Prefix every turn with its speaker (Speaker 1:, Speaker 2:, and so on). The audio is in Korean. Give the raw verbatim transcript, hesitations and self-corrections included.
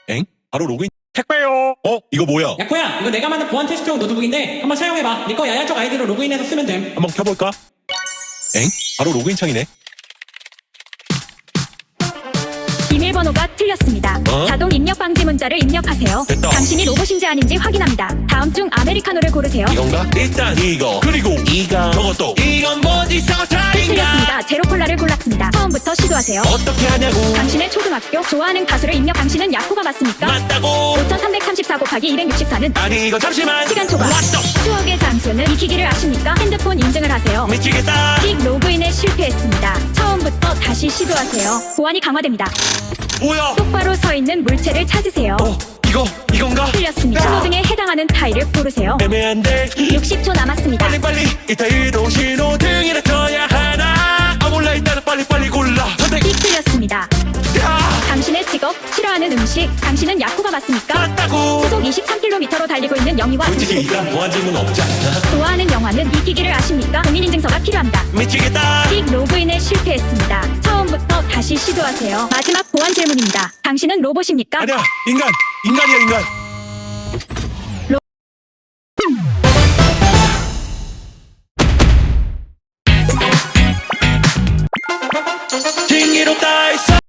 Speaker 1: 엥? 바로 로그인 택배요. 어? 이거 뭐야?
Speaker 2: 야코야, 이거 내가 만든 보안 테스트용 노트북인데 한번 사용해봐. 네 거 야야 쪽 아이디로 로그인해서 쓰면 됨.
Speaker 1: 한번 켜볼까? 엥? 바로 로그인 창이네.
Speaker 3: 비밀번호가 틀렸습니다.
Speaker 1: 어?
Speaker 3: 자동 입력 방지 문자를 입력하세요.
Speaker 1: 됐다.
Speaker 3: 당신이 로봇인지 아닌지 확인합니다. 다음 중 아메리카노를 고르세요.
Speaker 1: 이건가? 일단 이거 그리고 이거 저것도 이건 뭐지 서차인가?
Speaker 3: 틀렸습니다. 제로 콜라를 골랐습니다. 처음부터 시도하세요.
Speaker 1: 어떻게 하냐고.
Speaker 3: 당신의 초등학교 좋아하는 가수를 입력. 당신은 야코가 맞습니까?
Speaker 1: 맞다고.
Speaker 3: 오천삼백삼십사 곱하기 이백육십사는
Speaker 1: 아니 이거 잠시만.
Speaker 3: 시간 초과.
Speaker 1: 왔어.
Speaker 3: 추억의 장소는 익히기를 아십니까? 핸드폰 인증을 하세요.
Speaker 1: 미치겠다.
Speaker 3: 틱 로그인에 실패했습니다. 처음부터 다시 시도하세요. 보안이 강화됩니다.
Speaker 1: 뭐야?
Speaker 3: 똑바로 서 있는 물체를 찾으세요.
Speaker 1: 어? 이거 이건가?
Speaker 3: 틀렸습니다.
Speaker 1: 야.
Speaker 3: 신호등에 해당하는 타일을 고르세요.
Speaker 1: 애매한데
Speaker 3: 육십 초 남았습니다.
Speaker 1: 빨리빨리 이 타일도 신호등이라 켜야 하나. 아 몰라 일단은 빨리빨리 골라. 선택.
Speaker 3: 틱 틀렸습니다.
Speaker 1: 야.
Speaker 3: 당신의 직업, 싫어하는 음식, 당신은 야코가 맞습니까?
Speaker 1: 맞다고.
Speaker 3: 시속 이십삼 킬로미터로 달리고 있는 영희와
Speaker 1: 솔직히 이건 보안 질문 없지 않나?
Speaker 3: 좋아하는 영화는 익히기를 아십니까? 공인인증서가 필요합니다.
Speaker 1: 미치겠다.
Speaker 3: 틱 로그인에 실패했습니다. 처음부터 다시 시도하세요. 마지막 보안 질문입니다. 당신은 로봇입니까?
Speaker 1: 아니야 인간 인간이야 인간.